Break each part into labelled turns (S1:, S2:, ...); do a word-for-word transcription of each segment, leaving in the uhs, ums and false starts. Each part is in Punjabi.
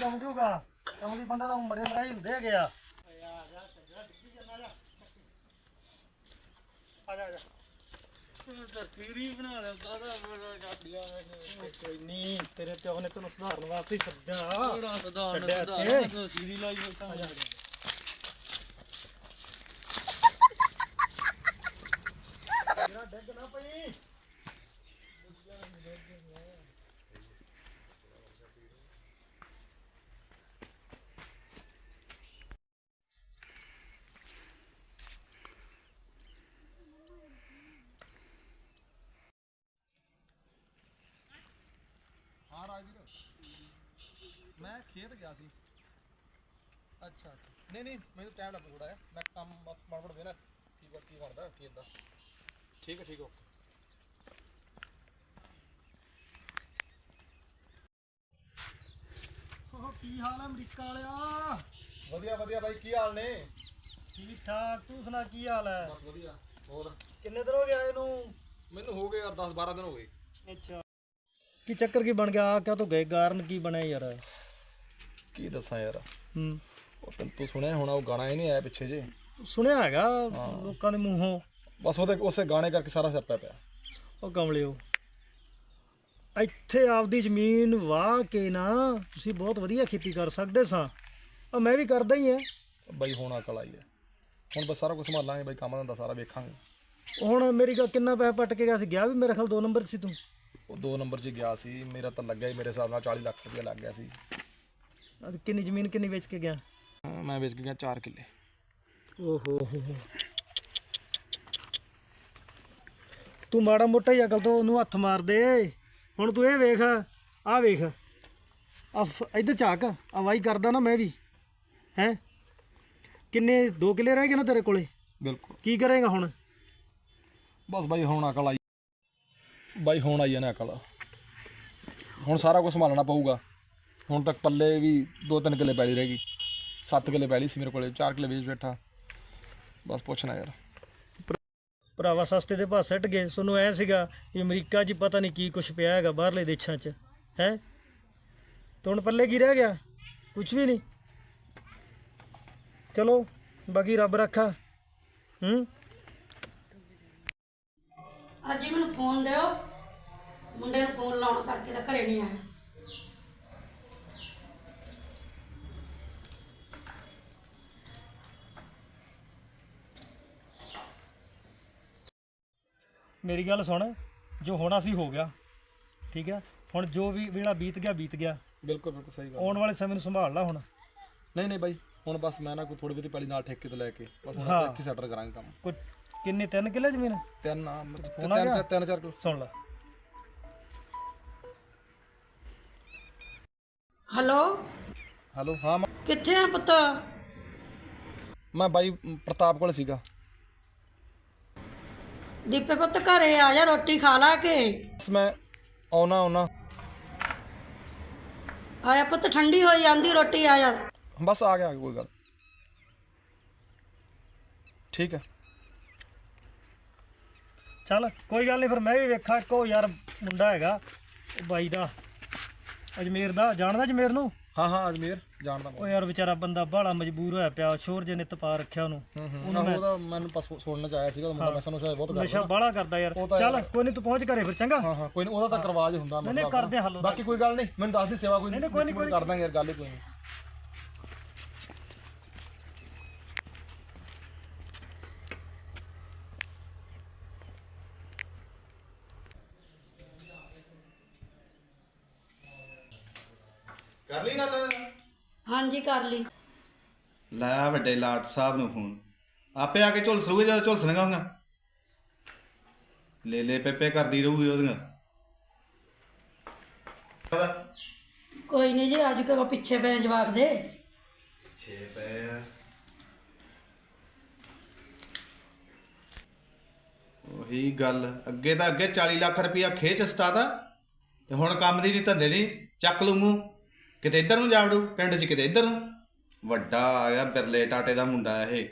S1: ਸਮਝੂਗਾ ਕਮਲੀ ਬੰਦਾ ਤਾਂ ਮਰੇ ਮਰਾਈ ਹੁੰਦੇ ਹੈਗੇ ਆ। ਆ ਜਾ ਆ ਜਾ ਤੀਰੀ ਬਣਾ ਲੈ ਦਾਦਾ ਬੜਾ ਕਾਟਿਆ ਕੋਈ ਨਹੀਂ ਤੇਰੇ ਪਿਓ ਨੇ ਤੈਨੂੰ ਸੁਧਾਰਨ ਵਾਸਤੇ ਹੀ ਸੱਦਿਆ ਬੜਾ ਸੁਧਾਰਨ ਸੁਧਾਰਨ ਸੀਰੀ ਲਾਈ ਹੋਈ ਆ ਜਾ ਮੇਰਾ ਡੱਗ ਨਾ ਪਈ मैं खेत गया सी। अच्छा अच्छा नहीं नहीं मैं टाइम लग थोड़ा है मैं काम बस बड़बड़ देना की की करदा खेत दा ठीक है ठीक है ओह की हाल है अमरीका वालिया वधिया वधिया भाई की हाल ने ठीक ठाक तू सुना की हाल है बस वधिया और कितने दिन हो गए आए नु मैनू हो गए यार दस बारह दिन हो गए अच्छा की चक्कर की बन गया आ क्या तो गए कारण की बने यार की दसा यार हम्म ਉਹ ਤੈਨੂੰ ਤੂੰ ਸੁਣਿਆ ਹੋਣਾ ਉਹ ਗਾਣਾ ਹੀ ਨਹੀਂ ਆਇਆ ਪਿੱਛੇ ਜੇ ਸੁਣਿਆ ਹੈਗਾ ਲੋਕਾਂ ਦੇ ਮੂੰਹੋਂ ਬਸ ਉਹਦੇ ਉਸੇ ਗਾਣੇ ਕਰਕੇ ਸਾਰਾ ਸਿਰ ਪਿਆ ਉਹ ਕਮਲਿਓ ਇੱਥੇ ਆਪਦੀ ਜ਼ਮੀਨ ਵਾਹ ਕੇ ਨਾ ਤੁਸੀਂ ਬਹੁਤ ਵਧੀਆ ਖੇਤੀ ਕਰ ਸਕਦੇ ਸਾਂ ਆ ਮੈਂ ਵੀ ਕਰਦਾ ਹੀ ਆ ਬਾਈ ਹੁਣ ਅਕਲ ਆਈ ਹੈ ਹੁਣ ਬਸ ਸਾਰਾ ਕੁਝ ਸੰਭਾਲਾਂਗੇ ਬਾਈ ਕੰਮ ਧੰਦਾ ਸਾਰਾ ਵੇਖਾਂਗੇ ਹੁਣ ਮੇਰੀ ਗੱਲ ਕਿੰਨਾ ਪੈਸਾ ਪੱਟ ਕੇ ਗਿਆ ਸੀ ਗਿਆ ਵੀ ਮੇਰੇ ਖਿਆਲ ਦੋ ਨੰਬਰ ਸੀ ਤੂੰ ਉਹ ਦੋ ਨੰਬਰ 'ਚ ਗਿਆ ਸੀ ਮੇਰਾ ਤਾਂ ਲੱਗਿਆ ਹੀ ਮੇਰੇ ਹਿਸਾਬ ਨਾਲ ਚਾਲੀ ਲੱਖ ਰੁਪਇਆ ਲੱਗ ਗਿਆ ਸੀ ਕਿੰਨੀ ਜ਼ਮੀਨ ਕਿੰਨੀ ਵੇਚ ਕੇ ਗਿਆ ਮੈਂ ਵੇਚ ਕੇ ਗਿਆ ਚਾਰ ਕਿੱਲੇ ਓਹੋ ਤੂੰ ਮਾੜਾ ਮੋਟਾ ਹੀ ਅਕਲ ਤੋਂ ਉਹਨੂੰ ਹੱਥ ਮਾਰ ਦੇ ਹੁਣ ਤੂੰ ਇਹ ਵੇਖ ਆਹ ਵੇਖ ਆ ਇੱਧਰ ਝਾਕ ਆ ਵਾਈ ਕਰਦਾ ਨਾ ਮੈਂ ਵੀ ਹੈਂ ਕਿੰਨੇ ਦੋ ਕਿੱਲੇ ਰਹਿ ਗਏ ਨਾ ਤੇਰੇ ਕੋਲੇ ਬਿਲਕੁਲ ਕੀ ਕਰੇਗਾ ਹੁਣ ਬਸ ਬਾਈ ਹੁਣ ਅਕਲ ਆਈ ਬਾਈ ਹੁਣ ਆਈ ਨਾ ਅਕਲ ਹੁਣ ਸਾਰਾ ਕੁਝ ਸੰਭਾਲਣਾ ਪਊਗਾ ਹੁਣ ਤੱਕ ਪੱਲੇ ਵੀ ਦੋ ਤਿੰਨ ਕਿੱਲੇ ਪੈਲੀ ਰਹਿ ਗਈ ਸੱਤ ਕਿੱਲੇ ਪੈਲੀ ਸੀ ਮੇਰੇ ਕੋਲੇ ਚਾਰ ਕਿੱਲੇ ਵੇਚ ਬੈਠਾ ਬਸ ਪੁੱਛਣਾ ਯਾਰ ਭਰਾਵਾ ਸਸਤੇ ਦੇ ਭਾਅ ਸਿੱਟ ਗਏ ਤੁਹਾਨੂੰ ਐ ਸੀਗਾ ਕਿ ਅਮਰੀਕਾ 'ਚ ਪਤਾ ਨਹੀਂ ਕੀ ਕੁਛ ਪਿਆ ਹੈਗਾ ਬਾਹਰਲੇ ਦੇਸ਼ਾਂ 'ਚ ਹੈ ਤੇ ਹੁਣ ਪੱਲੇ ਕੀ ਰਹਿ ਗਿਆ ਕੁਛ ਵੀ ਨਹੀਂ ਚਲੋ ਬਾਕੀ ਰੱਬ ਰੱਖਾ ਹੂੰ
S2: ਅੱਜ ਹੀ ਮੈਨੂੰ ਫੋਨ ਦਿਓ ਮੁੰਡੇ ਨੂੰ ਫੋਨ ਲਾਉਣਾ ਤੜਕੇ ਦਾ ਘਰੇ ਨਹੀਂ ਆਇਆ
S1: ਮੇਰੀ ਗੱਲ ਸੁਣ ਜੋ ਹੋਣਾ ਸੀ ਹੋ ਗਿਆ ਠੀਕ ਹੈ ਹੁਣ ਜੋ ਵੀ ਵੇਲਾ ਬੀਤ ਗਿਆ ਬੀਤ ਗਿਆ ਬਿਲਕੁਲ ਬਿਲਕੁਲ ਸਹੀ ਗੱਲ ਆਉਣ ਵਾਲੇ ਸਮੇਂ ਨੂੰ ਸੰਭਾਲ ਲਾ ਹੁਣ ਨਹੀਂ ਨਹੀਂ ਬਾਈ ਹੁਣ ਬਸ ਮੈਂ ਨਾ ਕੋਈ ਥੋੜੀ ਬਹੁਤੀ ਪੈਲੀ ਨਾਲ ਠੇਕੇ ਤੇ ਲੈ ਕੇ ਬਸ ਹੁਣ ਇੱਥੇ ਸੈਟਲ ਕਰਾਂਗੇ ਕੰਮ ਕੋਈ ਕਿੰਨੇ ਤਿੰਨ ਕਿੱਲੇ ਜ਼ਮੀਨ ਤਿੰਨ ਤਿੰਨ ਤਿੰਨ ਚਾਰ ਕਿੱਲੇ ਸੁਣ ਲਾ
S2: ਹੈਲੋ
S1: ਹੈਲੋ ਹਾਂ
S2: ਕਿੱਥੇ ਆ ਪੁੱਤ
S1: ਮੈਂ ਬਾਈ ਪ੍ਰਤਾਪ ਕੋਲ ਸੀਗਾ
S2: ਦੀਪੇ ਪੁੱਤ ਘਰੇ ਆ ਜਾ ਰੋਟੀ ਖਾ ਲਾ ਕੇ
S1: ਬਸ ਮੈਂ ਆਉਣਾ ਆਉਣਾ
S2: ਆਇਆ ਪੁੱਤ ਠੰਡੀ ਹੋਈ ਜਾਂਦੀ ਰੋਟੀ ਆ ਜਾ
S1: ਬਸ ਆ ਗਿਆ ਕੋਈ ਗੱਲ ਠੀਕ ਹੈ ਚੱਲ ਕੋਈ ਗੱਲ ਨਹੀਂ ਫਿਰ ਮੈਂ ਵੀ ਵੇਖਾਂ ਇੱਕੋ ਯਾਰ ਮੁੰਡਾ ਹੈਗਾ ਉਹ ਬਾਈ ਦਾ ਅਜਮੇਰ ਦਾ ਜਾਣਦਾ ਅਜਮੇਰ ਨੂੰ ਹਾਂ ਹਾਂ ਅਜਮੇਰ ਜਾਣਦਾ ਉਹ ਯਾਰ ਵਿਚਾਰਾ ਬੰਦਾ ਬਾਹਲਾ ਮਜਬੂਰ ਹੋਇਆ ਪਿਆ ਸ਼ੋਰ ਜੇ ਨਿੱਤ ਪਾ ਰੱਖਿਆ ਉਹਨੂੰ ਉਹਦਾ ਮੈਨੂੰ ਪਸ ਸੁਣਨ ਚ ਆਇਆ ਸੀਗਾ ਮੁੰਡਾ ਨਸ਼ਾ ਨੁਸ਼ਾ ਬਹੁਤ ਕਰਦਾ ਨਸ਼ਾ ਬਾਹਲਾ ਕਰਦਾ ਯਾਰ ਚੱਲ ਕੋਈ ਨਹੀਂ ਤੂੰ ਪਹੁੰਚ ਘਰੇ ਫਿਰ ਚੰਗਾ ਹਾਂ ਹਾਂ ਕੋਈ ਨਹੀਂ ਉਹਦਾ ਤਾਂ ਕਰਵਾਜ ਹੁੰਦਾ ਨਹੀਂ ਨਹੀਂ ਕਰਦੇ ਹੱਲ ਬਾਕੀ ਕੋਈ ਗੱਲ ਨਹੀਂ ਮੈਨੂੰ ਦੱਸ ਦੀ ਸੇਵਾ ਕੋਈ ਨਹੀਂ ਕੋਈ ਨਹੀਂ ਕੋਈ ਕਰ ਦਾਂਗੇ ਯਾਰ ਗੱਲ ਹੀ ਕੋਈ ਨਹੀਂ
S3: ਕਰ ਲਈ ਗੱਲ
S2: ਹਾਂਜੀ ਕਰ ਲਈ
S3: ਲੈ ਵੱਡੇ ਲਾਟ ਸਾਹਿਬ ਨੂੰ ਫੋਨ ਆਪੇ ਆ ਕੇ ਝੁਲਸ ਰੂਗੇ ਜਦੋਂ ਝੁਲਸਣਗਾ ਹੋਗਾ ਲੈ ਲੈ ਪੇਪੇ ਕਰਦੀ ਰਹੂਗੀ ਉਹਦੀਆਂ
S2: ਕੋਈ ਨਹੀਂ ਜੀ ਅੱਜ ਕੋ ਪਿੱਛੇ ਪੈ ਜਵਾਬ ਦੇ
S3: ਛੇ ਪੈ ਉਹੀ ਗੱਲ ਅੱਗੇ ਤਾਂ ਅੱਗੇ ਚਾਲੀ ਲੱਖ ਰੁਪਇਆ ਖੇਚ ਸਟਾਤਾ ਤੇ ਹੁਣ ਕੰਮ ਦੀ ਨਹੀਂ ਧੰਦੇ ਨਹੀਂ ਚੱਕ ਲੂੰਗੂ ਕਿਤੇ ਇੱਧਰ ਨੂੰ ਜਾਵੜੂ ਪਿੰਡ 'ਚ ਕਿਤੇ ਇੱਧਰ ਨੂੰ ਵੱਡਾ ਆਇਆ ਬਿਰਲੇ ਟਾਟੇ ਦਾ ਮੁੰਡਾ ਇਹ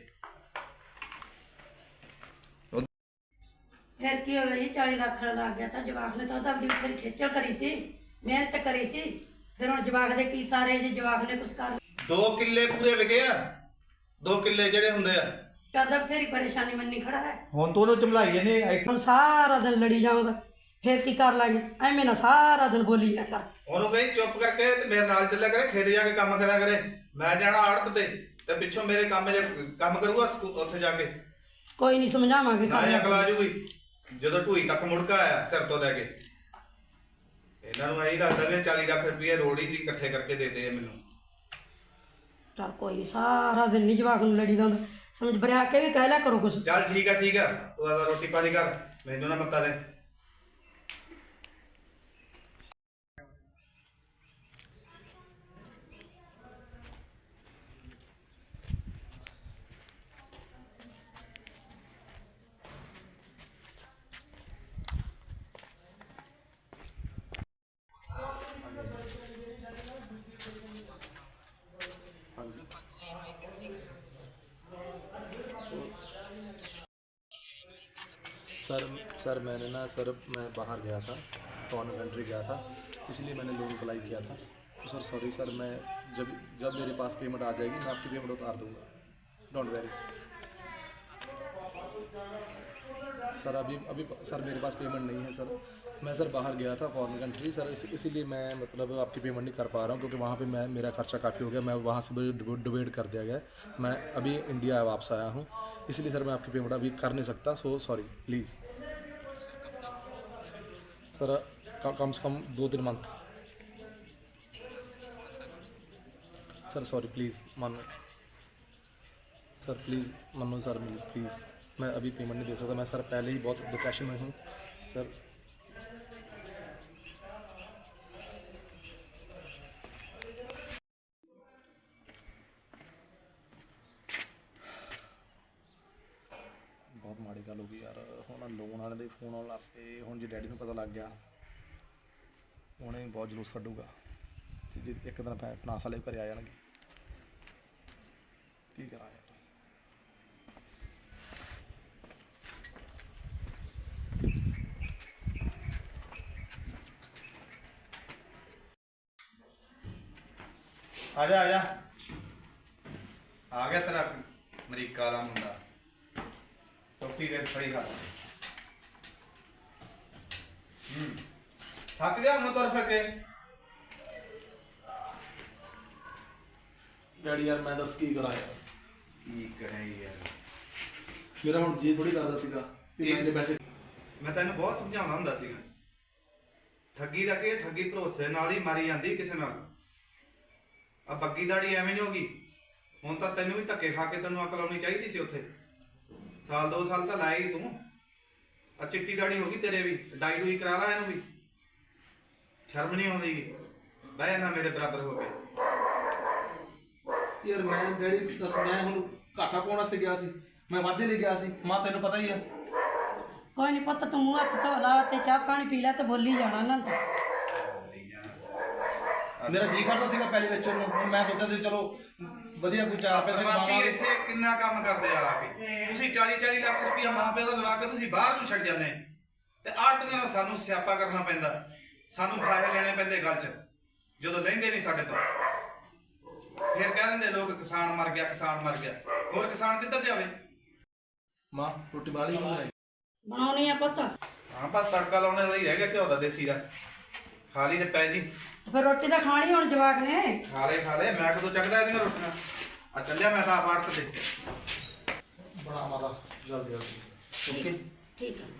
S2: ਫਿਰ ਕੀ ਹੋ ਗਿਆ ਜੀ ਚਾਲੀ ਲੱਖ ਲੱਗ ਗਿਆ ਤਾਂ ਜਵਾਬ ਨੇ ਤਾਂ ਉਹਦਾ ਆਪਣੀ ਫਿਰ ਖੇਚਲ ਕਰੀ ਸੀ ਮਿਹਨਤ ਕਰੀ ਸੀ ਫਿਰ ਹੁਣ ਜਵਾਕ ਦੇ ਕੀ ਸਾਰੇ ਜੇ ਜਵਾਕ ਨੇ ਕੁਛ ਕਰ ਲਿਆ।
S3: ਦੋ ਕਿੱਲੇ ਪੂਰੇ ਵਿਕੇ ਆ, ਦੋ ਕਿੱਲੇ ਜਿਹੜੇ ਹੁੰਦੇ ਆ।
S2: ਕਰਦਾ ਬਥੇਰੀ ਪਰੇਸ਼ਾਨੀ ਮੰਨੀ ਖੜਾ ਹੈ।
S3: ਹੁਣ ਤੂੰ ਉਹਨੂੰ ਚਮਲਾਈ ਜਾਂਦੇ,
S2: ਹੁਣ ਸਾਰਾ ਦਿਨ ਲੜੀ ਜਾਊਂਗਾ, ਫਿਰ ਕੀ ਕਰ ਲਾਂਗੇ? ਐਵੇਂ ਨਾ ਸਾਰਾ ਦਿਨ ਬੋਲੀ ਜਾ ਕਰ।
S3: ਉਹਨੂੰ ਕਹੀਂ ਚੁੱਪ ਕਰਕੇ ਤੇ ਮੇਰੇ ਨਾਲ ਚੱਲਿਆ ਕਰੇ, ਖੇਤ ਜਾ ਕੇ ਕੰਮ ਕਰਿਆ ਕਰੇ। ਮੈਂ ਜਾਣਾ ਆੜਤ ਤੇ ਤੇ ਪਿੱਛੋਂ ਮੇਰੇ ਕੰਮ ਜੇ ਕੰਮ ਕਰੂਗਾ ਸਕੂ- ਉੱਥੇ ਜਾ ਕੇ।
S2: ਕੋਈ ਨਹੀਂ ਸਮਝਾਵਾਂਗੇ
S3: ਨਾ
S2: ਕੰਮ।
S3: ਅਕਲ ਆ ਜੂਗੀ ਜਦੋਂ ਢੂਈ ਤੱਕ ਮੁੜਕਾ ਆਇਆ ਸਿਰ ਤੋਂ ਲੈ ਕੇ। ਇਹਨਾਂ ਨੂੰ ਐਂ ਲੱਗਦਾ ਵੀ ਚਾਲੀ ਲੱਖ ਰੁਪਏ ਰੋੜੀ ਸੀ ਇਕੱਠੇ ਕਰਕੇ ਦੇਤੇ ਆ ਮੈਨੂੰ।
S2: ਚੱਲ ਕੋਈ ਨਹੀਂ, ਸਾਰਾ ਦਿਨ ਨਹੀਂ ਜਵਾਕ ਨੂੰ ਲੜੀ ਜਾਂਦਾ, ਸਮਝ ਬਰਿਆ ਕੇ ਵੀ ਕਹਿ ਲਿਆ ਕਰੋ ਕੁਛ।
S3: ਚੱਲ ਠੀਕ ਆ ਠੀਕ ਆ, ਤੂੰ ਆਦਾ ਰੋਟੀ ਪਾਣੀ ਕਰ, ਮੈਨੂੰ ਨਾ ਮੱਤਾ ਦੇ।
S4: सर सर मैंने ना सर मैं बाहर गया था, फॉरेन कंट्री गया था, इसलिए मैंने लोन अप्लाई किया था। तो सर सॉरी सर, मैं जब जब मेरे पास पेमेंट आ जाएगी मैं आपकी पेमेंट उतार दूंगा, डोंट वेरी। सर अभी अभी सर मेरे पास पेमेंट नहीं है सर, मैं सर बाहर गया था फॉरेन कंट्री सर, इस, इसीलिए मैं मतलब आपकी पेमेंट नहीं कर पा रहा हूँ, क्योंकि वहाँ पे मैं मेरा खर्चा काफ़ी हो गया, मैं वहाँ से मुझे डिवाइड कर दिया गया। मैं अभी इंडिया वापस आया हूँ, इसलिए सर मैं आपकी पेमेंट अभी कर नहीं सकता, सो सॉरी प्लीज़ सर। कम से कम दो तीन मंथ सर, सॉरी प्लीज़ मानो सर, प्लीज़ मानो सर, प्लीज़ मैं अभी पेमेंट नहीं दे सकता, मैं सर पहले ही बहुत डिप्रेशन में हूँ सर। बहुत माड़ी गल हो गई यार, ਹੁਣ ਲੋਨ ਵਾਲੇ ਦੇ ਫੋਨ ਆਉਣ ਲੱਗ ਪਏ। ਹੁਣ ਜੇ ਡੈਡੀ ਨੂੰ ਪਤਾ ਲੱਗ ਗਿਆ ਉਹਨੇ ਬਹੁਤ ਜਲੂਸ ਕੱਢੂਗਾ, ਤੇ ਜੇ ਇੱਕ ਦਿਨ ਫਾਈਨਾਂਸ ਵਾਲੇ ਘਰੇ ਆ ਜਾਣਗੇ, ਕੀ ਕਰਾਂ ਯਾਰ।
S3: ਆ ਜਾ ਆ ਜਾ, ਆ ਗਿਆ ਤੇਰਾ ਅਮਰੀਕਾ ਵਾਲਾ ਮੁੰਡਾ। ਟੋਪੀ ਵੇਖ ਫੜੀ ਖਾ। ਹੂੰ ਥੱਕ ਗਿਆ ਹੁਣ ਤੁਰ ਫਿਰ ਕੇ।
S4: ਡੈਡੀ ਯਾਰ ਮੈਂ ਦੱਸ ਕੀ ਕਰਾਂ ਯਾਰ,
S3: ਕੀ ਕਰਾਂ ਯਾਰ,
S4: ਮੇਰਾ ਹੁਣ ਜੀ ਥੋੜੀ ਕਰਦਾ ਸੀਗਾ ਕਿ ਮੈਂ ਇੰਨੇ ਪੈਸੇ।
S3: ਮੈਂ ਤੈਨੂੰ ਬਹੁਤ ਸਮਝਾਉਂਦਾ ਹੁੰਦਾ ਸੀਗਾ, ਠੱਗੀ ਦਾ ਕੀ, ਠੱਗੀ ਭਰੋਸੇ ਨਾਲ ਹੀ ਮਾਰੀ ਜਾਂਦੀ ਕਿਸੇ ਨਾਲ। ਆ ਬੱਗੀ ਦਾੜੀ ਐਵੇਂ ਨਹੀਂ ਹੋਗੀ। ਹੁਣ ਤਾਂ ਤੈਨੂੰ ਵੀ ਧੱਕੇ ਖਾ ਕੇ ਤੈਨੂੰ ਅਕਲ ਆਉਣੀ ਚਾਹੀਦੀ ਸੀ ਉੱਥੇ। ਸਾਲ ਦੋ ਸਾਲ ਤਾਂ ਲਾਇਆ ਹੀ ਤੂੰ। ਆ ਚਿੱਟੀ ਦਾੜੀ ਹੋ ਗਈ ਤੇਰੇ ਵੀ, ਡਾਈ ਡੂਈ ਕਰਾ ਲਾ ਇਹਨੂੰ ਵੀ। ਸ਼ਰਮ ਨਹੀਂ ਆਉਂਦੀ ਬਹਿ ਨਾ ਮੇਰੇ ਬਰਾਬਰ ਹੋ ਕੇ।
S4: ਯਾਰ ਮੈਂ ਡੈਡੀ ਦੱਸ, ਮੈਂ ਹੁਣ ਘਾਟਾ ਪਾਉਣ ਵਾਸਤੇ ਗਿਆ ਸੀ, ਮੈਂ ਵਾਧੇ ਲਈ ਗਿਆ ਸੀ, ਮਾਂ ਤੈਨੂੰ ਪਤਾ ਹੀ ਆ।
S2: ਕੋਈ ਨਹੀਂ ਪੁੱਤ, ਤੂੰ ਮੂੰਹ ਹੱਥ ਧੋ ਲਾ ਤੇ ਚਾਹ ਪਾਣੀ ਪੀ ਲੈ ਤੇ ਬੋਲੀ ਜਾਣਾ ਨਾ ਤੂੰ।
S4: ਮੇਰਾ ਜੀ ਕਰਦਾ ਸੀਗਾ ਪਹਿਲੇ ਵੇਚਣ ਨੂੰ, ਹੁਣ ਮੈਂ ਸੋਚਿਆ ਸੀ ਚਲੋ ਵਧੀਆ ਕੋਈ ਚਾਰ ਪੈਸੇ
S3: ਪ੍ਰਵਾਸੀ
S4: ਕਮਾਵਾਂਗੇ।
S3: ਇੱਥੇ ਕਿੰਨਾ ਕੰਮ ਕਰਦੇ ਆ ਆ ਕੇ। ਤੁਸੀਂ ਚਾਲੀ ਚਾਲੀ ਲੱਖ ਰੁਪਇਆ ਮਾਂ ਪਿਓ ਦਾ ਲਵਾ ਕੇ ਤੁਸੀਂ ਬਾਹਰ ਨੂੰ ਛੱਡ ਜਾਂਦੇ ਤੇ ਆੜਤੀਆਂ ਨਾਲ ਸਾਨੂੰ ਸਿਆਪਾ ਕਰਨਾ ਪੈਂਦਾ, ਸਾਨੂੰ ਫਾਇਦੇ ਲੈਣੇ ਪੈਂਦੇ ਗੱਲ 'ਚ, ਜਦੋਂ ਲੈਂਦੇ ਨਹੀਂ ਸਾਡੇ ਤੋਂ। ਫਿਰ ਕਹਿ ਦਿੰਦੇ ਲੋਕ ਕਿਸਾਨ ਮਰ ਗਿਆ, ਕਿਸਾਨ ਮਰ ਗਿਆ। ਹੋਰ ਕਿਸਾਨ ਕਿੱਧਰ ਜਾਵੇ?
S4: ਮਾਂ ਰੋਟੀ ਬਾਲੀ ਬਣਾਈ
S2: ਬਣਾਉਣੀ ਆ ਪੁੱਤ,
S3: ਹਾਂ ਬਸ ਤੜਕਾ ਲਾਉਣੇ ਵਾਲਾ ਹੀ ਰਹਿ ਗਿਆ ਘਿਓ ਦਾ ਦੇਸੀ ਦਾ। ਖਾ ਲਈ ਤੇ ਪੈ ਜੀ।
S2: ਫਿਰ ਰੋਟੀ ਤਾਂ ਖਾਣੀ ਹੁਣ ਜਵਾਕ ਨੇ।
S3: ਖਾ ਲੈ ਖਾ ਲੈ, ਮੈਂ ਕਦੋਂ ਚੱਕਦਾ ਇਹਦੀਆਂ ਰੋਟੀਆਂ। ਆ ਚੱਲਿਆ ਮੈਂ ਤਾਂ ਆਪ ਤੇ
S4: ਬਣਾ ਮਾਤਾ ਜਲਦੀ ਜਲਦੀ। ਓਕੇ
S2: ਠੀਕ ਹੈ।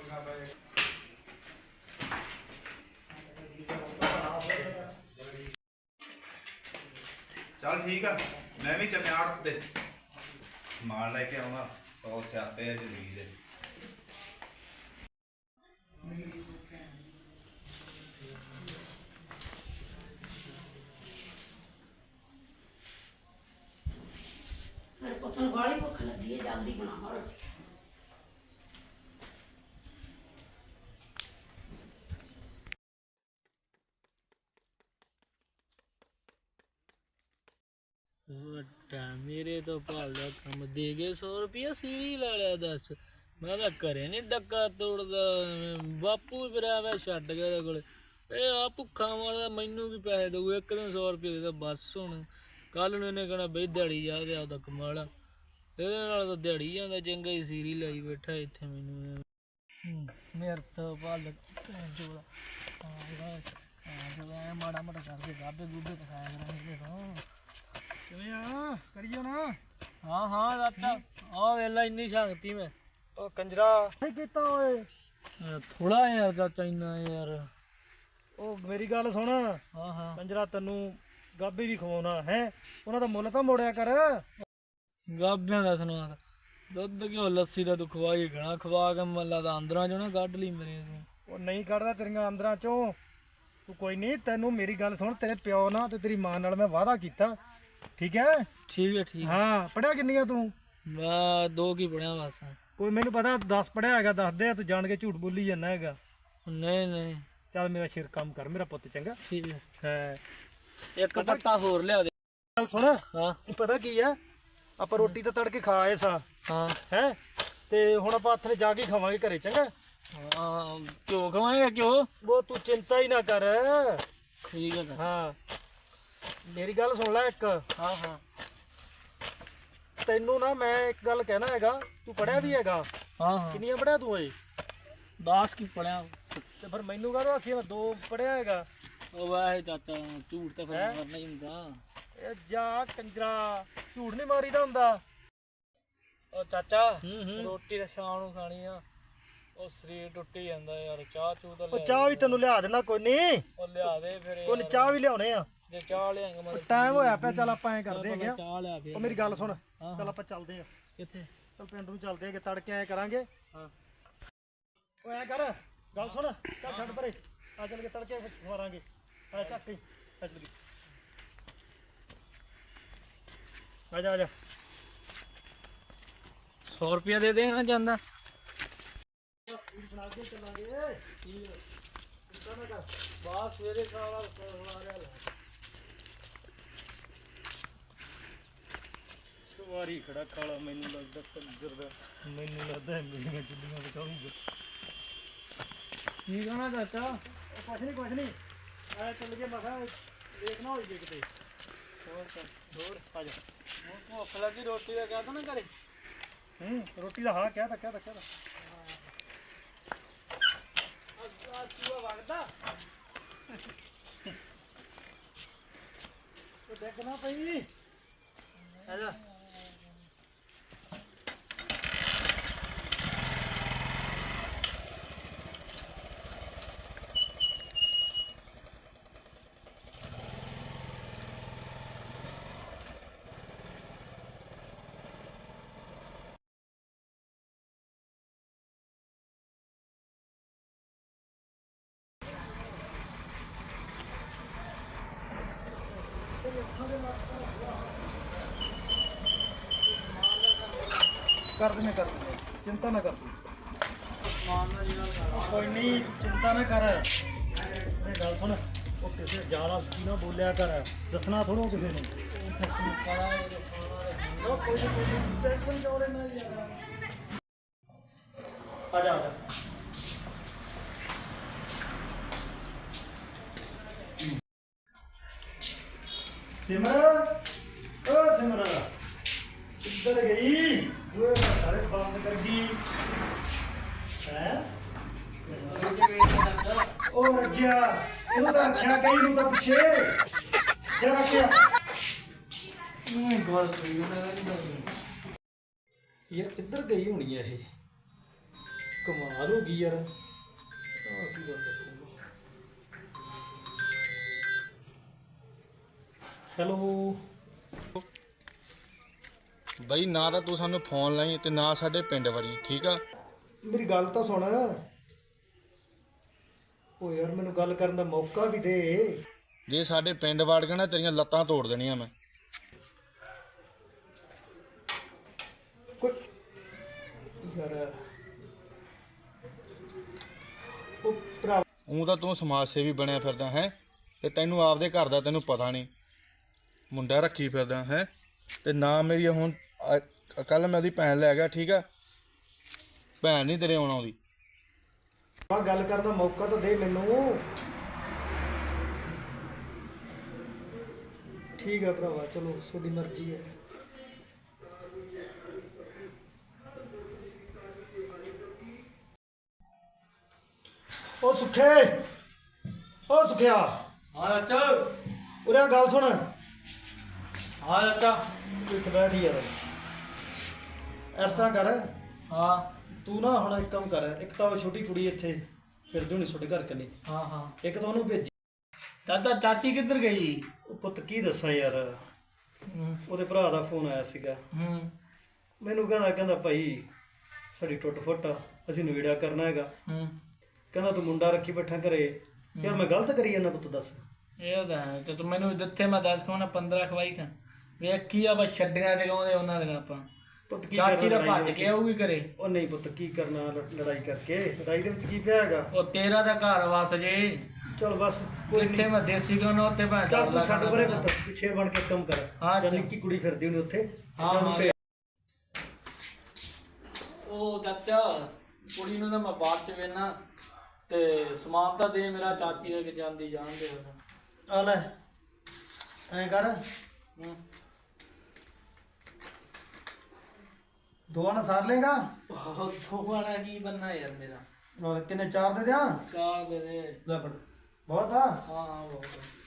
S3: ਚੱਲ ਠੀਕ ਆ, ਮੈਂ ਵੀ ਚੱਲਿਆ ਆੜਤ ਤੇ ਮਾਲ ਲੈ ਕੇ ਆਉਂਗਾ। ਬਹੁਤ ਸਿਆਪੇ ਆ ਜ਼ਿੰਦਗੀ ਦੇ।
S2: ਮੇਰੇ ਪੁੱਤ ਨੂੰ ਬਾਹਲੀ ਭੁੱਖ ਲੱਗੀ ਹੈ, ਜਲਦੀ ਬਣਾਵਾਂ ਰੋਟੀ।
S5: ਵੱਡਾ ਮੇਰੇ ਤੋਂ ਭਾਲਦਾ ਕੰਮ ਦੇ ਗਏ ਸੌ ਰੁਪਇਆ ਸੀਰੀ ਲਾ ਲਿਆ। ਦੱਸ ਮੈਂ ਤਾਂ ਘਰੇ ਨਹੀਂ ਡੱਕਾ ਤੋੜਦਾ, ਬਾਪੂ ਫਿਰਿਆ ਵਾ ਛੱਡ ਗਿਆ ਉਹਦੇ ਕੋਲ। ਇਹ ਆ ਭੁੱਖਾ ਮਾਰਦਾ ਮੈਨੂੰ ਕੀ ਪੈਸੇ ਦਊ ਇੱਕ ਦਿਨ ਸੌ ਰੁਪਏ ਦੇ ਬਸ ਹੁਣ ਕੱਲ ਨੂੰ ਇਹਨੇ ਕਹਿਣਾ ਬਈ ਦਿਹਾੜੀ ਜਾ ਤੇ ਆਪਦਾ ਕਮਾਲਾ ਇਹਦੇ ਨਾਲ ਤਾਂ ਦਿਹਾੜੀ ਜਾਂਦਾ ਚੰਗਾ ਹੀ ਸੀਰੀ ਲਾਈ ਬੈਠਾ ਇੱਥੇ ਮੈਨੂੰ ਮੇਰੇ ਤੋਂ ਭਾਲ ਚੋਲਾ ਹਾਂ ਮਾੜਾ ਮਾੜਾ ਕਰਕੇ ਗਾਬੇ ਗੂਬੇ ਤੇ ਖਾਇਆ ਕਰਾਂਗੇ ਤੋਂ
S1: ਕਿਵੇਂ ਆ ਕਰੀਓ ਨਾ
S5: ਹਾਂ ਹਾਂ ਚਾਚਾ ਆ ਵੇਲਾ ਇੰਨੀ ਸ਼ਾਂਤੀ ਮੈਂ
S1: ਉਹ ਕੰਜਰਾ ਨਹੀਂ ਕੀਤਾ ਓਏ
S5: ਥੋੜਾ ਯਾਰ ਚਾਚਾ ਇੰਨਾ ਯਾਰ
S1: ਉਹ ਮੇਰੀ ਗੱਲ ਸੁਣ
S5: ਹਾਂ ਹਾਂ
S1: ਕੰਜਰਾ ਤੈਨੂੰ ਗਾਬੇ ਵੀ ਖਵਾਉਣਾ ਹੈ ਉਹਨਾਂ ਦਾ ਮੁੱਲ ਤਾਂ ਮੋੜਿਆ ਕਰ
S5: ਗਾਬਿਆਂ ਦਾ ਸੁਣਾ ਦੁੱਧ ਘਿਓ ਲੱਸੀ ਦਾ ਤੂੰ ਖਵਾਈ ਘਣਾ ਖਵਾ ਕੇ ਮੱਲਾ ਦਾ ਅੰਦਰਾਂ ਚੋਂ ਨਾ ਕੱਢ ਲਈ ਮੇਰੇ ਤੂੰ
S1: ਉਹ ਨਹੀਂ ਕੱਢਦਾ ਤੇਰੀਆਂ ਅੰਦਰਾਂ ਚੋਂ ਤੂੰ ਕੋਈ ਨਹੀਂ ਤੈਨੂੰ ਮੇਰੀ ਗੱਲ ਸੁਣ ਤੇਰੇ ਪਿਓ ਨਾਲ ਤੇ ਤੇਰੀ ਮਾਂ ਨਾਲ ਮੈਂ ਵਾਅਦਾ ਕੀਤਾ ਠੀਕ ਹੈ
S5: ਠੀਕ ਹੈ ਠੀਕ
S1: ਹਾਂ ਪੜਿਆ ਕਿੰਨੀਆਂ ਤੂੰ
S5: ਮੈਂ ਦੋ ਕੀ ਪੜਿਆ ਬਸ
S1: ਕੋਈ ਮੈਨੂੰ ਪਤਾ ਦਸ ਪੜਿਆ ਹੈਗਾ ਦੱਸ ਦੇ ਤੂੰ ਜਾਣ ਕੇ ਝੂਠ ਬੋਲੀ ਜਾਂਦਾ ਹੈਗਾ
S5: ਨਹੀਂ ਨਹੀਂ
S1: ਚੱਲ ਮੇਰਾ ਸਿਰ ਕੰਮ ਕਰ ਮੇਰਾ ਪੁੱਤ ਚੰਗਾ
S5: ਠੀਕ ਹੈ
S1: ਹੈ
S5: ਇੱਕ ਪੱਤਾ ਹੋਰ ਲਿਆ ਦੇ
S1: ਚੱਲ ਸੁਣ
S5: ਹਾਂ
S1: ਪਤਾ ਕੀ ਆ ਆਪਾਂ ਰੋਟੀ ਤਾਂ ਤੜਕੇ ਖਾ ਆਏ ਸਾਂ
S5: ਹਾਂ
S1: ਹੈ ਤੇ ਹੁਣ ਆਪਾਂ ਹੱਥ ਨੇ ਜਾ ਕੇ ਖਾਵਾਂਗੇ ਘਰੇ ਚੰਗਾ
S5: ਹਾਂ ਕਿਉਂ ਖਵਾਏਗਾ ਕਿਉਂ
S1: ਉਹ ਤੂੰ ਚਿੰਤਾ ਹੀ ਨਾ ਕਰ
S5: ਠੀਕ ਹੈ
S1: ਹਾਂ ਮੇਰੀ ਗੱਲ ਸੁਣ ਲੈ ਇੱਕ
S5: ਹਾਂ ਹਾਂ
S1: ਤੈਨੂੰ ਨਾ ਮੈਂ ਇੱਕ ਗੱਲ ਕਹਿਣਾ ਹੈਗਾ ਤੂੰ ਪੜਿਆ ਵੀ ਹੈਗਾ
S5: ਹਾਂ ਹਾਂ
S1: ਕਿੰਨੀਆਂ ਪੜਿਆ ਤੂੰ ਓਏ
S5: ਦਸ ਕੀ ਪੜਿਆ
S1: ਤੇ ਫਿਰ ਮੈਨੂੰ ਕਾਹਦੋਂ ਆਖੀ ਮੈਂ ਦੋ ਪੜਿਆ ਹੈਗਾ
S5: ਉਹ ਵਾਹ ਚਾਚਾ ਝੂਠ ਤਾਂ ਫਿਰ ਮਾਰਨਾ ਹੀ ਹੁੰਦਾ
S1: ਇਹ ਜਾ ਕੰਜਰਾ ਝੂਠ ਨਹੀਂ ਮਾਰੀਦਾ ਹੁੰਦਾ
S5: ਉਹ ਚਾਚਾ
S1: ਹੂੰ ਹੂੰ
S5: ਰੋਟੀ ਤਾਂ ਸ਼ਾਮ ਨੂੰ ਖਾਣੀ ਆ ਉਹ ਸਰੀਰ ਟੁੱਟੀ ਜਾਂਦਾ ਯਾਰ ਚਾਹ ਚੂਹ ਤਾਂ
S1: ਉਹ
S5: ਲਿਆ
S1: ਚਾਹ ਵੀ ਤੈਨੂੰ ਲਿਆ ਦੇਣਾ ਕੋਈ ਨਹੀਂ
S5: ਉਹ ਲਿਆ ਦੇ ਫਿਰ
S1: ਕੋਈ ਨੀ, ਚਾਹ ਵੀ ਲਿਆਉਣੇ ਆ
S5: ਜੇ ਚਾਹ ਲਿਆਂਗਾ ਮੈਂ
S1: ਟਾਈਮ ਹੋਇਆ ਪਿਆ ਚੱਲ ਆਪਾਂ ਐ ਕਰਦੇ ਹੈਗੇ ਆ।
S5: ਚਾਹ ਲਿਆ ਫਿਰ
S1: ਉਹ ਮੇਰੀ ਗੱਲ ਸੁਣ ਚੱਲ ਆਪਾਂ ਚੱਲਦੇ ਆ
S5: ਕਿੱਥੇ
S1: ਚੱਲ ਪਿੰਡ ਨੂੰ ਚੱਲਦੇ ਹੈਗੇ ਤੜਕੇ ਐ ਕਰਾਂਗੇ
S5: ਹਾਂ
S1: ਓਏ ਐ ਕਰ ਗੱਲ ਸੁਣ ਚੱਲ ਛੱਡ ਪਰੇ ਆ ਚੱਲ ਕੇ ਤੜਕੇ ਸਵਾਰਾਂਗੇ ਆ ਚੱਕ ਹੀ ਆ ਚੱਲ ਆ ਜਾ ਆ ਜਾ
S5: ਸੌ ਰੁਪਇਆ ਦੇ ਦੇਣਾ ਜਾਂਦਾ
S1: ਬਣਾ ਕੇ ਚੱਲਾਂਗੇ
S5: ਬਾਅਦ ਸਵੇਰੇ ਖਾਵਾ ਹੋਣਾ ਰਿਹਾ
S1: ਸਵਾਰੀ ਖੜਾ ਕਾਲਾ ਮੈਨੂੰ ਲੱਗਦਾ ਕੰਜਰ ਦਾ ਮੈਨੂੰ ਲੱਗਦਾ ਮੇਰੀਆਂ ਚੁੱਲੀਆਂ ਬਚਾਊਗਾ
S5: ਕੀ ਕਹਣਾ ਚਾਚਾ
S1: ਉਹ ਕੁਛ ਨਹੀਂ ਕੁਛ ਨਹੀਂ ਆ ਚੱਲ ਕੇ ਮਖਾ ਦੇਖ ਨਾ ਹੋਈ ਜੇ ਕਿਤੇ
S5: ਹੋਰ ਕਰ
S1: ਹੋਰ ਆ ਜਾ
S5: ਉਹ ਭੁੱਖ ਲੱਗੀ ਰੋਟੀ ਦਾ ਕਹਿ ਤਾ ਨਾ ਘਰੇ
S1: ਹੂੰ ਰੋਟੀ ਦਾ ਹਾਂ ਕਹਿ ਤਾ ਕਹਿ ਤਾ ਕਹਿ ਤਾ
S5: ਆ ਚੂਹਾ ਵਗਦਾ
S1: ਉਹ ਦੇਖ ਨਾ ਪਈ ਆ ਜਾ ਕਰ ਦਿੰਦੇ ਕਰ ਦਿੰਦੇ ਚਿੰਤਾ ਨਾ ਕਰ ਕੋਈ ਨਹੀਂ ਚਿੰਤਾ ਨਾ ਕਰ ਇਹ ਗੱਲ ਸੁਣ ਉਹ ਕਿਸੇ ਜ਼ਿਆਦਾ ਕੀ ਨਾ ਬੋਲਿਆ ਕਰ ਦੱਸਣਾ ਥੋੜੋ ਕਿਸੇ ਨੂੰ ਉਹ ਕੋਈ ਨੀ, ਕੋਈ ਨੀ, ਟੈਨਸ਼ਨ ਕਿਉਂ ਲੈਣਾ ਯਾਰ ਆ ਜਾ ਆ ਜਾ ਸਿਮਰ ਓ ਸਿਮਰ ਕਿੱਧਰ ਗਈ ਓਏ ਸਾਰੇ ਬੰਦ ਕਰ ਗਈ ਹੈ ਉਹ ਰੱਜਿਆ ਇਹਨੂੰ ਤਾਂ ਰੱਖਿਆ ਕਈ ਨੂੰ ਤਾਂ ਪਿੱਛੇ ਜੇ ਰੱਖਿਆ
S5: ਨਹੀਂ ਗੱਲ ਕਰੀ ਉਹਨਾਂ ਨੇ
S1: ਯਾਰ ਕਿੱਧਰ ਗਈ ਹੋਣੀ ਹੈ ਇਹ ਕਮਾਲ ਹੋ ਗਈ ਯਾਰ ਆਹ ਕੀ ਗੱਲ ਹੈਲੋ
S3: ਬਈ ਨਾ ਤਾਂ ਤੂੰ ਸਾਨੂੰ ਫੋਨ ਲਾਈ ਤੇ ਨਾ ਸਾਡੇ ਪਿੰਡ ਵੜੀ ਠੀਕ ਆ
S1: ਮੇਰੀ ਗੱਲ ਤਾਂ ਸੁਣ ਓ ਯਾਰ ਮੈਨੂੰ ਗੱਲ ਕਰਨ ਦਾ ਮੌਕਾ ਵੀ ਦੇ
S3: ਜੇ ਸਾਡੇ ਪਿੰਡ ਵੜ ਗਿਆ ਨਾ ਤੇਰੀਆਂ ਲੱਤਾਂ ਤੋੜ ਦੇਣੀਆਂ ਮੈਂ
S1: ਕੋਈ ਯਾਰ ਉਹ ਭਰਾ
S3: ਉਂ ਤਾਂ ਤੂੰ ਸਮਾਜ ਸੇਵੀ ਬਣਿਆ ਫਿਰਦਾ ਹੈ ਤੇ ਤੈਨੂੰ ਆਪਦੇ ਘਰ ਦਾ ਤੈਨੂੰ ਪਤਾ ਨਹੀਂ ਮੁੰਡਾ ਰੱਖੀ ਫਿਰਦਾ ਹੈ ਤੇ ਨਾ ਮੇਰੀ ਹੁਣ ਕੱਲ ਮੈਂ ਉਹਦੀ ਭੈਣ ਲੈ ਗਿਆ ਠੀਕ ਆ ਭੈਣ ਨਹੀਂ ਤੇਰੇ ਆਉਣਾ ਉਹਦੀ
S1: ਆ ਗੱਲ ਕਰਨ ਦਾ ਮੌਕਾ ਤਾਂ ਦੇ ਮੈਨੂੰ ਠੀਕ ਆ ਭਰਾਵਾ, ਚਲੋ ਤੁਹਾਡੀ ਮਰਜ਼ੀ ਹੈ। ਉਹ ਸੁੱਖੇ, ਉਹ ਸੁੱਖਿਆ,
S5: ਹਾਂ ਚਾਚਾ।
S1: ਉਰੇ ਆ ਗੱਲ ਸੁਣ।
S5: ਹਾਂ ਚਾਚਾ।
S1: ਤੂੰ ਇੱਥੇ ਬੈਠ ਯਾਰ। ਇਸ ਤਰ੍ਹਾਂ ਕਰ,
S5: ਹਾਂ
S1: ਤੂੰ ਨਾ ਹੁਣ ਇੱਕ ਕੰਮ ਕਰ, ਇੱਕ ਤਾਂ ਉਹ ਛੋਟੀ ਕੁੜੀ ਇੱਥੇ ਫਿਰਦੀ ਹੋਣੀ ਤੁਹਾਡੇ ਘਰ ਕੰਨੀ,
S5: ਹਾਂ ਹਾਂ।
S1: ਇੱਕ ਤਾਂ ਉਹਨੂੰ ਭੇਜੀ।
S5: ਚਾਚਾ ਚਾਚੀ ਕਿੱਧਰ ਗਈ?
S1: ਉਹ ਪੁੱਤ ਕੀ ਦੱਸਾਂ ਯਾਰ,
S5: ਹੂੰ
S1: ਉਹਦੇ ਭਰਾ ਦਾ ਫੋਨ ਆਇਆ ਸੀਗਾ,
S5: ਹੂੰ
S1: ਮੈਨੂੰ ਕਹਿੰਦਾ ਕਹਿੰਦਾ ਭਾਈ ਸਾਡੀ ਟੁੱਟ ਫੁੱਟ ਆ, ਅਸੀਂ ਨਵੇੜਾ ਕਰਨਾ ਹੈਗਾ।
S5: ਹੂੰ।
S1: ਕਹਿੰਦਾ ਤੂੰ ਮੁੰਡਾ ਰੱਖੀ ਬੈਠਾ ਘਰੇ। ਯਾਰ ਮੈਂ ਗਲਤ ਕਰੀ ਜਾਂਦਾ ਪੁੱਤ, ਦੱਸ।
S5: ਇਹ ਤਾਂ ਹੈ ਤੇ ਤੂੰ ਮੈਨੂੰ ਜਿੱਥੇ ਮੈਂ ਦੱਸ ਕੋਣਾ ਪੰਦਰਾਂ ਖਵਾਈ ਖਾਂ ਵੇਖੀ ਆ ਬਸ ਛੱਡੀਆਂ ਜਗਾਉਂਦੇ ਉਹਨਾਂ ਦੀਆਂ ਆਪਾਂ।
S1: ਪੁੱਤ ਕੀ
S5: ਚਾਚੀ ਦਾ
S1: ਕਰਨਾ
S5: ਭੱਜ
S1: ਲੜਾਈ
S5: ਕੇ ਆਊਗੀ ਘਰੇ।
S1: ਉਹ ਨਹੀਂ ਪੁੱਤ, ਕੀ ਕਰਨਾ ਲ- ਲੜਾਈ ਕਰਕੇ, ਲੜਾਈ ਦੇ ਵਿੱਚ ਕੀ ਪਿਆ ਹੈਗਾ।
S5: ਉਹ ਤੇਰਾ ਦਾ ਘਰ ਵਸ ਜੇ,
S1: ਚਲ ਬਸ ਕੋਈ
S5: ਜਿੱਥੇ ਮੈਂ ਦੇਸੀ ਗਾਉਂ ਉੱਥੇ ਭਾਂ
S1: ਚੱਲ ਤੂੰ ਛੱਡ ਪਰੇ ਪੁੱਤ, ਪਿੱਛੇ ਬਣ ਕੇ ਕੰਮ ਕਰ।
S5: ਹਾਂ,
S1: ਚੱਲ
S5: ਚੱਲ।
S1: ਨਿੱਕੀ ਕੁੜੀ ਫਿਰਦੀ ਹੋਣੀ ਉੱਥੇ।
S5: ਹਾਂ,
S1: ਉਹਨੂੰ
S5: ਹਾਂ।
S1: ਭੇਜ।
S5: ਉਹ ਚਾਚਾ ਕੁੜੀ ਨੂੰ ਤਾਂ ਮੈਂ ਬਾਅਦ ਚ ਵੇਨਾ ਤੇ ਸਮਾਨ ਤਾਂ ਦੇ ਮੇਰਾ ਚਾਚੀ ਦੇ ਕੇ ਜਾਂਦੀ ਜਾਣਦੇ ਹੋ।
S1: ਆ ਲੈ ਐਂ ਕਰ,
S5: ਹੂੰ।
S1: ਦੋਵਾਂ ਨਾਲ ਸਾਰ ਲੇਗਾ।
S5: ਉਹ ਥੋੜਾ ਕੀ ਬੰਨਾ ਯਾਰ ਮੇਰਾ।
S1: ਔਰ ਕਿੰਨੇ, ਚਾਰ ਦੇ ਦਿਆਂ?
S5: ਚਾਰ ਦੇ ਦੇ।
S1: ਲੈ ਫੜ, ਬਹੁਤ ਆ।
S5: ਹਾਂ ਹਾਂ ਬਹੁਤ।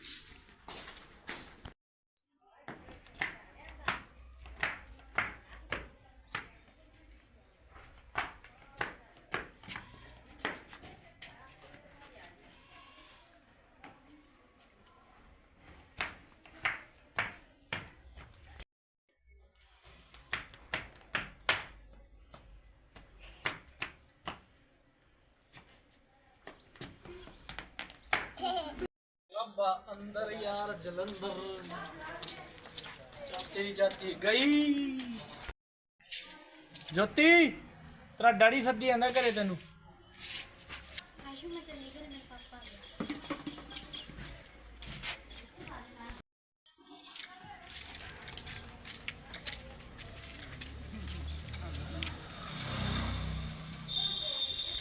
S5: ਰੱਬਾ ਅੰਦਰ ਯਾਰ ਜਲੰਧਰ ਚਾਚੀ ਚਾਚੀ ਗਈ। ਜੋਤੀ ਤੇਰਾ ਡੈਡੀ ਸੱਦੀ ਜਾਂਦਾ ਘਰੇ ਤੈਨੂੰ।
S6: ਆਸ਼ੂ ਮੈਂ ਚੱਲੀ।